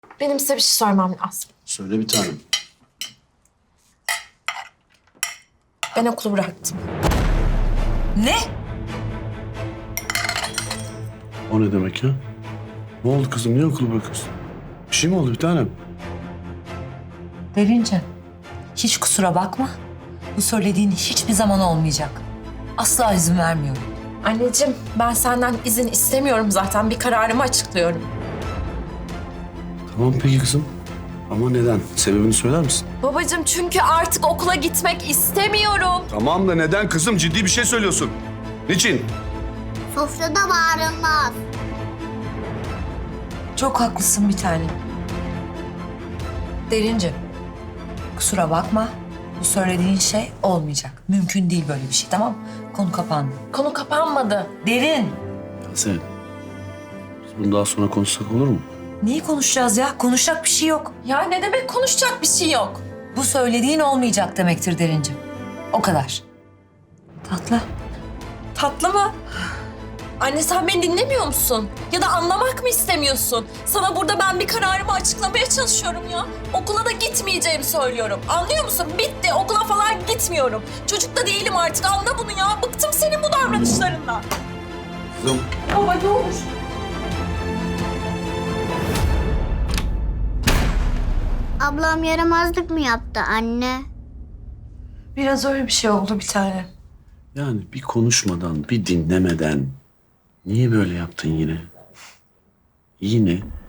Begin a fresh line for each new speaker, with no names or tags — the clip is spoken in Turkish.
Benim size bir şey sormam lazım.
Söyle bir tanem.
Ben okulu bıraktım.
Ne?
O ne demek ya? Ne oldu kızım? Niye okulu bırakıyorsun? Bir şey mi oldu bir tanem?
Derince, hiç kusura bakma. Bu söylediğin hiçbir zaman olmayacak. Asla izin vermiyorum.
Anneciğim, ben senden izin istemiyorum zaten. Bir kararımı açıklıyorum.
Tamam peki kızım. Ama neden? Sebebini söyler misin?
Babacığım, çünkü artık okula gitmek istemiyorum.
Tamam da neden kızım? Ciddi bir şey söylüyorsun. Niçin?
Sofrada bağırılmaz.
Çok haklısın bir tane. Derince, kusura bakma. Bu söylediğin şey olmayacak. Mümkün değil böyle bir şey, tamam mı? Konu kapandı.
Konu kapanmadı.
Derin,
Yasemin. Biz bunu daha sonra konuşsak olur mu?
neyi konuşacağız ya? Konuşacak bir şey yok.
Ya ne demek konuşacak bir şey yok?
Bu söylediğin olmayacak demektir Derince. O kadar. Tatlı.
Tatlı mı? Anne, sen beni dinlemiyor musun? Ya da anlamak mı istemiyorsun? Sana burada ben bir kararımı açıklamaya çalışıyorum ya. Okula da gitmeyeceğimi söylüyorum. Anlıyor musun? Bitti. Okula falan gitmiyorum. Çocuk da değilim artık. Anla bunu ya. Bıktım senin bu davranışlarından.
Kızım.
Baba ne olur.
Ablam yaramazlık mı yaptı anne?
Biraz öyle bir şey oldu bir tane.
Yani bir konuşmadan, bir dinlemeden niye böyle yaptın yine? Yine